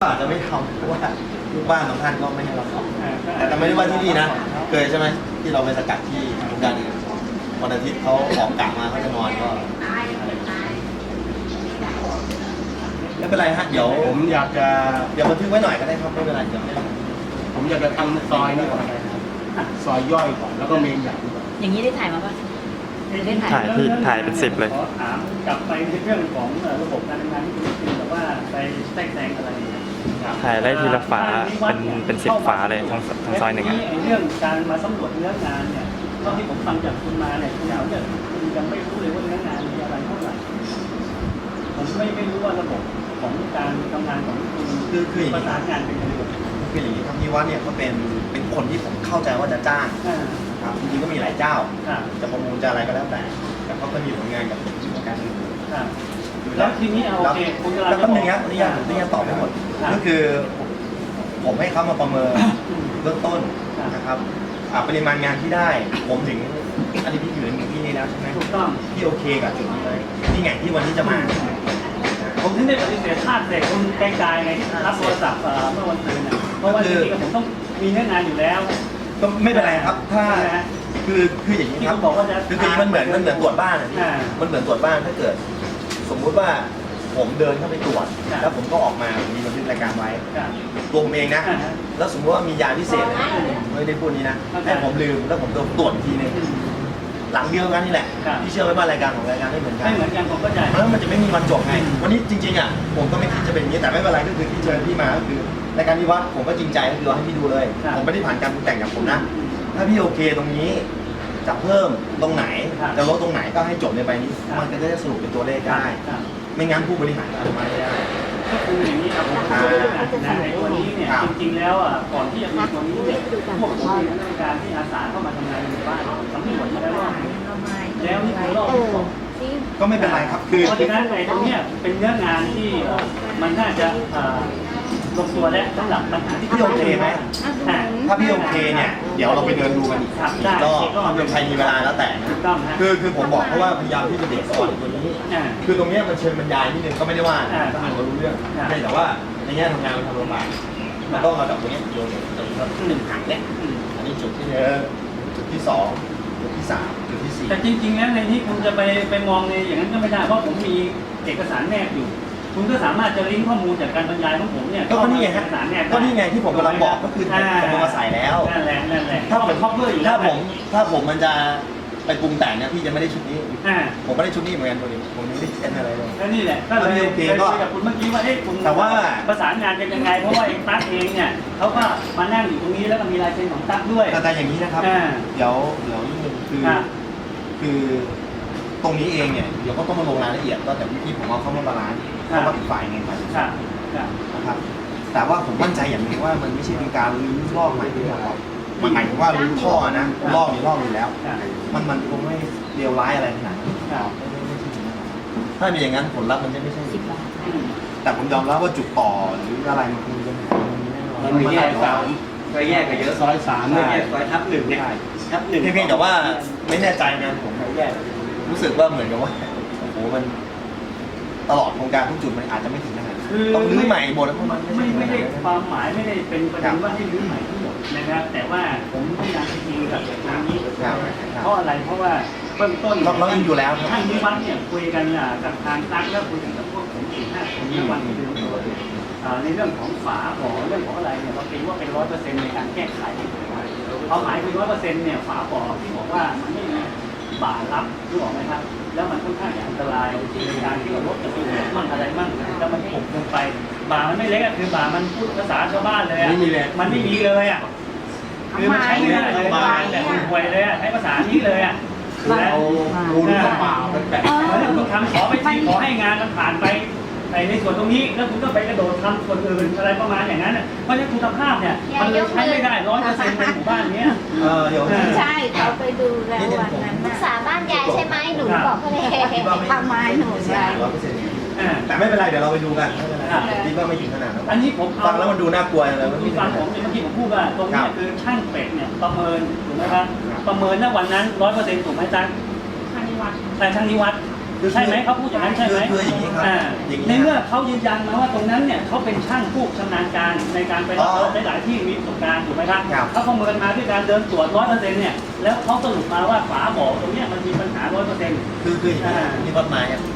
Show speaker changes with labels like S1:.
S1: อาจจะไม่ทำเพราะว่าลูกบ้านของท่านก็ไม่ให้เราทำแต่ไม่ได้ว่าที่นี่นะเคยใช่ไหมที่เราไปสกัดที่โครงการอื่นวันอาทิตย์เขาออกกะมาเขาจะนอนก็ไม่เป็นไรฮะเดี๋ยว
S2: ผมอยากจะ
S1: บันทึกไว้หน่อยก็ได้ครับไม่เป็นไรเดี๋ยว
S2: ผมอยากจะทำซอยนี่ก่อนซอยย่อยก่อนแล้วก็เมนใหญ่ก่อน
S3: อย่างนี้ได้ถ่ายมาป่ะได้ถ่าย
S4: ถ่ายเป็น10เลย
S5: ขอถามกลับไปในเรื่องของระบบการทำงานที่คุณคิดแต่ว่าไปแทรกแซงอะไร
S4: ถ่ายได้ทีละฝาเป็น10 ฝาเลยทั้งซอยหนึ่ง
S5: เรื่องการมาสำรวจเนื้องานเนี่ยเท่าที่ผมฟังจากคุณมาเนี่ยคุณเอาเนี่ยคุณยังไม่รู้เลยว่าเนื้องานมีอะไรเท่าไหร่ผมไม่รู้ว่าระบบของการทำงานของคุณ
S1: คือ
S5: ประสานงานเป็นยังไง
S1: คืออย่างนี้ครับพี่วัดเนี่ยเขาเป็นคนที่ผมเข้าใจว่าจะจ้างครับจริงๆก็มีหลายเจ้าจะประมูลจะอะไรก็แล้วแต่เขาก็มีผลงานกับการอื่น
S5: แล้วทีนี้โอเคคุณกำลัง
S1: แล้วก็นึงนะนี่ยังตอบไม่หมดก็คือผมให้เขามาประเมินเบื้องต้นนะครับปริมาณงานที่ได้ผมถึงอันนี้พี่อยู่ในที่นี้แล้วใช่ไหม
S5: ถูกต้อง
S1: พี่โอเคกับจุดนี้เลยที่ไงที่วันนี้จะมา
S5: ผมถึงได้ปฏิเสธธาตุเด็กคุณไกลๆไงที่รับโทรศัพท์เมื่อวันศุกร์เพราะว่าจริงๆผมต้องมีเนื้องานอยู่แล้ว
S1: ก็ไม่เป็นไรครับถ้าคืออย่างนี้ครับคือมันเหมือนตรวจบ้านมันเหมือนตรวจบ้านถ้าเกิดสมมุติว่าผมเดินเข้าไปตรวจแล้วผมก็ออกมามีบันทึกรายการไว้ตัวผมเองนะแล้วสมมติว่ามียาพิเศษไม่ได้พูดนี้นะแต่ผมลืมแล้วผมโดนตรวจทีนึงหลังเดียวกันนี่แหละพี่เชื่อไหมว่ารายการของรายการไม่เหมือน
S5: กันผมก็ใจ
S1: แล้วมันจะไม่มีวันจบไงวันนี้จริงๆอ่ะผมก็ไม่คิดจะเป็นอย่างนี้แต่ไม่เป็นไรก็คือที่เชิญพี่มาก็คือรายการที่วัดผมก็จริงใจก็คือให้พี่ดูเลยผมไม่ได้ผ่านการปรุงแต่งกับผมนะถ้าพี่โอเคตรงนี้จะเพิ่มตรงไหนจะลดตรงไหนก็ให้จบในใบนี้มันก็จะสรุปเป็นตัวเลขได้ไม่งั้นผู้บริหารอนุมัติไม่ได้
S5: ก็คืออย่างนี้ครับในตัวนี้เนี่ยจริงๆแล้วก่อนที่จะมีตัวนี้เนี่ยพวกผมเองในการที่อาสาเข้ามาทำงานในบ้านสำรวจมาแล้วว่าแล้วนี่คือรอบ
S1: ก็ไม่เป็นไรครับ
S5: คือเพราะฉะนั้นในตรงนี้เป็นเนื้องานที่มันน่าจะลงตัวแล้วสำหรับปัญหาที่
S1: พี่โอเคไหมถ้าพี่โอเคเนี่ยเดี๋ยวเราไปเดินดูกันอีกก็เป็นใครมีเวลาแล้วแต่คือผมบอกเพราะว่าพยายามที่จะเด็กก่อนตัวนี้คือตรงนี้มันเชิญบรรยายนิดนึงก็ไม่ได้ว่าก็อ่านก็รู้เรื่องแต่ว่าในแง่ทำงานมันทำลำบากมันต้องเอาจากตรงนี้โยน1 ถังเนี่ยอันนี้จุดที่1จุดที่2จุดที่3จุดที่4
S5: แต่จริงๆแล้วในที่คุณจะไปมองในอย่างนั้นก็ไม่ได้เพราะผมมีเอกสารแนบอยู่คุณก็สามารถจะลิงก์ข้อมูลจากการบรรยายของผมเนี่ย
S1: ก็นี่ไงฮะก็นี่ไงที่ผมกำลังบอกก็คือผมมาใส่แล้ว
S5: นั่นแหละ
S1: ถ้าผมครอบเพื่ออยู่ถ้าผมมันจะไปปรุงแต่งเนี่ยพี่จะไม่ได้ชุดนี้ผมไม่ได้ชุดนี้เหมือนกันตัวนี้ผมไม่ได้เซ็นอะไรเลย
S5: ก็นี่แหละก็เลยโอเคก็กับคุณเมื่อกี้ว่าคุณ
S1: แต่ว่า
S5: ประสานงานกันยังไงเพราะว่าเองตั๊กเองเนี่ยเขาก็มานั่งอยู่ตรงนี้แล้วก็มีลายเซ็นของตั๊กด้วย
S1: แต่อย่างนี้นะครับเดี๋ยวนิดนึงคือตรงนี้เองเนี่ยเดี๋ยวก็ต้องมาลงรายละเอียดก็แต่พี่ผมเอาเข้ามาบาลานซ์เพราะว่าอีกฝ่ายไงนะครับแต่ว่าผมมั่นใจอย่างนึงว่ามันไม่ใช่เป็นการรื้อลอกใหม่ที่เรามันหมายถึงว่ารื้อท่อนะลอกอยู่แล้วมันคงไม่เลวร้ายอะไรขนาดนั้นถ้ามีอย่างนั้นผลลัพธ์มันจะไม่ใช่แต่ผมยอมรับว่าจุดต่อหรืออะไรมันคงจะ
S2: มันมีแยก3ก็แยกกันเยอะซอย3เนี่ยซอยทับ1เนี่ยทับ1
S1: เพียงแต่ว่าไม่แน่ใจงานผมแยกรู้สึกว่าเหมือนกับว่าโอ้โหมันตลอดโครงการทุกจุดมันอาจจะไม่ถึงขนาดต้องรื้อใหม่หมดแล้วมัน
S5: ไม่ได้ความหมายไม่ได้เป็นประเด็นว่าให้รื้อใหม่ทั้งหมดนะครับแต่ว่าผมพยายามจริงกับตรงนี้เพราะอะไรเพราะว่าเบื้องต้น
S1: เราอยู่แล้ว
S5: ท่านนิวัฒน์เนี่ยคุยกันกับทางตั้งแล้วคุยกันกับพวกผม4-5 คนในวันเดือนในเรื่องของฝาบ่อเรื่องของอะไรเนี่ยเราคิดว่าเป็น100%ในการแก้ไขความหมายคือ100%เนี่ยฝาบ่อที่บอกว่ามันไม่มีบ่ารับรู้ออกไหมครับแล้วมันค่อนข้างอันตรายในการที่เราลดจะไปหัวมั่งอะไรมั่งแล้วมันผุลงไปบ่ามันไม่เล็กคือบ่ามันพูดภาษาชาวบ้านเลยมันไม่มีเลยคือมันใช้ไม่ได้เลยบ่าแบบห่วยเลยใช้ภาษานี้เลย
S2: เอาปูนเปล่าเป็นแบบ
S5: คุณทำขอไปที่ขอให้งานมันผ่านไปในส่วนตรงนี้แล้วคุณก็ไปกระโดดทำส่วนอื่นอะไรประมาณอย่างนั้นเพราะฉะนั้นคุณภาพเนี่ยมันเลยใช้ไม่ได้100%ในหมู่บ้านนี้
S1: เดี๋ยว
S3: ใช่เขาไปดูแล้ววันนั้น
S6: สาบ้านยายใช่ไหมหนูบอกเขาเลย
S3: ทำไมหนูยาย
S1: แต่ไม่เป็นไรเดี๋ยวเราไปดูกันคิดว่าไม่ถึงขนาดนั้น
S5: อันนี้ผม
S1: ฟังแล้วมันดูน่ากลัวเลย
S5: คุณฟังผมเมื่อกี้ผมพูดว่าตรงนี้คือช่างเป็ดเนี่ยประเมินถูกไหมครับประเมินณวันนั้น100%ถูกไหมจ๊ะ
S3: ช่างนิวัฒน์
S5: แต่ช่างนิวัฒน์ใช่ไหมเขาพูดอย่างนั้นใช่ไหม
S1: คืออย่างนี้ครับ
S5: อ่า
S1: อย่างนี้
S5: ในเมื่อเขายืนยันมาว่าตรงนั้นเนี่ยเขาเป็นช่างผู้ชำนาญการในการไปรับรถหลายๆที่มีประสบการณ์ถูกไหมครับ
S1: ครับ
S5: เขาประเมินมาด้วยการเดินตรวจ100%เนี่ยแล้วเขาสรุปมาว่าฝาบ่อตรงเนี้ยมันมีปัญหา100%
S1: คืออย่างนี้นี่วัดไม้ครับ